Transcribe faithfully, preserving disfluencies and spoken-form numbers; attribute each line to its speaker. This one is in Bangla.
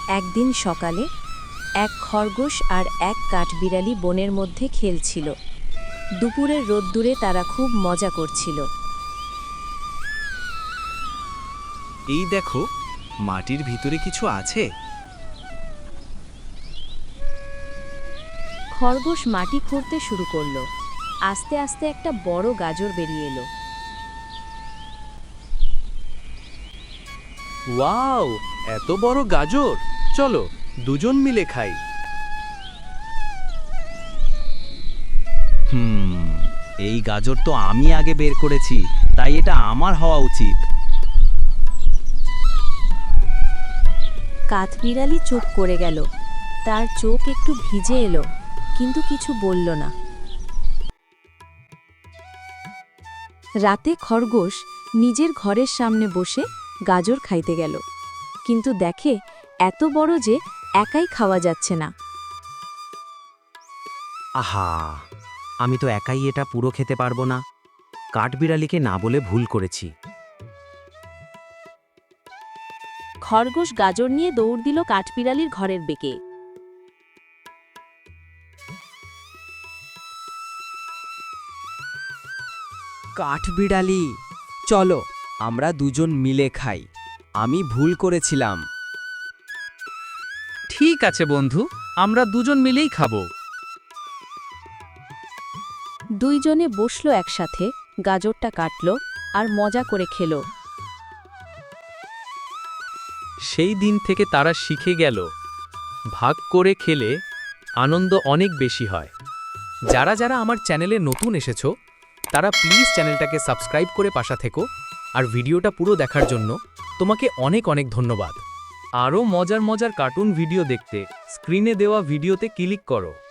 Speaker 1: একদিন সকালে এক খরগোশ আর এক কাঠবিড়ালি বনের মধ্যে খেলছিল। দুপুরের রোদ্দুরে তারা খুব মজা করছিল।
Speaker 2: এই দেখো, মাটির ভিতরে কিছু আছে।
Speaker 1: খরগোশ মাটি খুঁড়তে শুরু করলো। আস্তে আস্তে একটা বড় গাজর বেরিয়ে এলো।
Speaker 2: ওয়াও, এত বড় গাজর! চলো দুজন মিলে খাই।
Speaker 3: হুম এই গাজর তো আমি আগে বের করেছি, তাই এটা আমার হওয়া উচিত।
Speaker 1: কাঠবিড়ালি চুপ করে গেল। তার চোখ একটু ভিজে এলো, কিন্তু কিছু বলল না। রাতে খরগোশ নিজের ঘরের সামনে বসে গাজর খাইতে গেল, কিন্তু দেখে এত বড় যে একাই খাওয়া যাচ্ছে না।
Speaker 3: আহা, আমি তো একাই এটা পুরো খেতে পারবো না। কাঠবিড়ালিকে না বলে ভুল করেছি।
Speaker 1: খরগোশ গাজর নিয়ে দৌড় দিল কাঠবিড়ালির ঘরের বেঁকে।
Speaker 4: কাঠবিড়ালি, চলো আমরা দুজন মিলে খাই। আমি ভুল করেছিলাম।
Speaker 5: ঠিক আছে বন্ধু, আমরা দুজন মিলেই খাবো।
Speaker 1: দুইজনে বসলো একসাথে, গাজরটা কাটলো আর মজা করে খেলো।
Speaker 5: সেই দিন থেকে তারা শিখে গেল, ভাগ করে খেলে আনন্দ অনেক বেশি হয়। যারা যারা আমার চ্যানেলে নতুন এসেছো, তারা প্লিজ চ্যানেলটাকে সাবস্ক্রাইব করে পাশে থেকো। আর ভিডিওটা পুরো দেখার জন্য তোমাকে অনেক অনেক ধন্যবাদ। আরও মজার মজার কার্টুন ভিডিও দেখতে স্ক্রিনে দেওয়া ভিডিওতে ক্লিক করো।